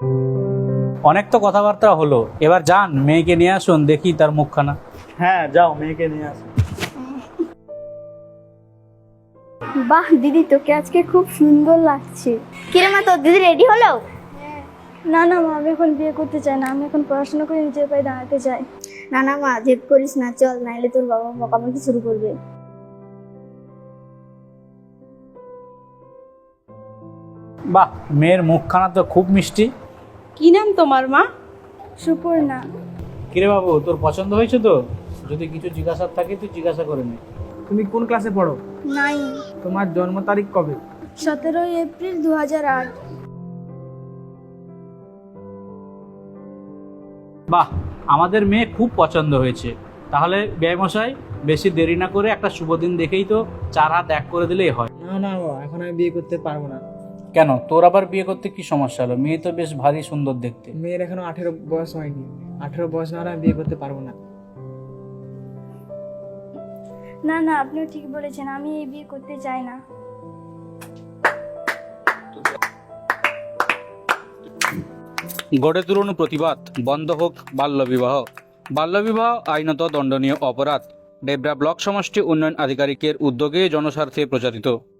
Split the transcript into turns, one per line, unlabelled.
অনেক তো কথাবার্তা হলো, এবার যান মেয়েকে নিয়ে আসুন, দেখি তার মুখখানা।
হ্যাঁ যাও, মেয়েকে নিয়ে আসো।
বাহ দিদি, তোকে আজকে খুব সুন্দর লাগছে।
কিরে মা, তোর দিদি রেডি হলো?
না না মা, আমি এখন বিয়ে করতে চাই না, আমি এখন পড়াশোনা করে নিজের পায়ে দাঁড়াতে চাই।
না না মা, জেদ করিস না, চল, নাইলে তোর বাবা বকাবকি শুরু করবে।
বাহ, মেয়ের মুখখানা তো খুব মিষ্টি।
কি নাম তোমার মা?
সুপর্ণা।
কিরে বাবু, তোর পছন্দ হয়েছে তো? যদি কিছু জিজ্ঞাসার থাকে তুই জিজ্ঞাসা করে নে।
তুমি কোন ক্লাসে পড়ো?
নাই।
তোমার জন্ম তারিখ কবে?
17 এপ্রিল 2008।
বাহ, আমাদের মেয়ে খুব পছন্দ হয়েছে। তাহলে ব্যয়মশাই, বেশি দেরি না করে একটা শুভ দিন দেখেই তো 4 হাত এক করে দিলেই হয়।
না না বাবা, এখন আমি বিয়ে করতে পারবো না।
কেন, তোর আবার বিয়ে করতে কি সমস্যা হলো? মেয়ে তো বেশ ভারী সুন্দর দেখতে।
মেয়ের এখনো 18 বয়স হয়নি। 18 বয়স না হলে আমি বিয়ে করতে পারবো না।
না না, আপনিও ঠিক বলেছেন, আমি এই বিয়ে করতে চাই না।
গড়ে তুলুন প্রতিবাদ, বন্ধ হোক বাল্যবিবাহ। বাল্যবিবাহ আইনত দণ্ডনীয় অপরাধ। ডেবরা ব্লক সমষ্টি উন্নয়ন আধিকারিকের উদ্যোগে জনস্বার্থে প্রচারিত।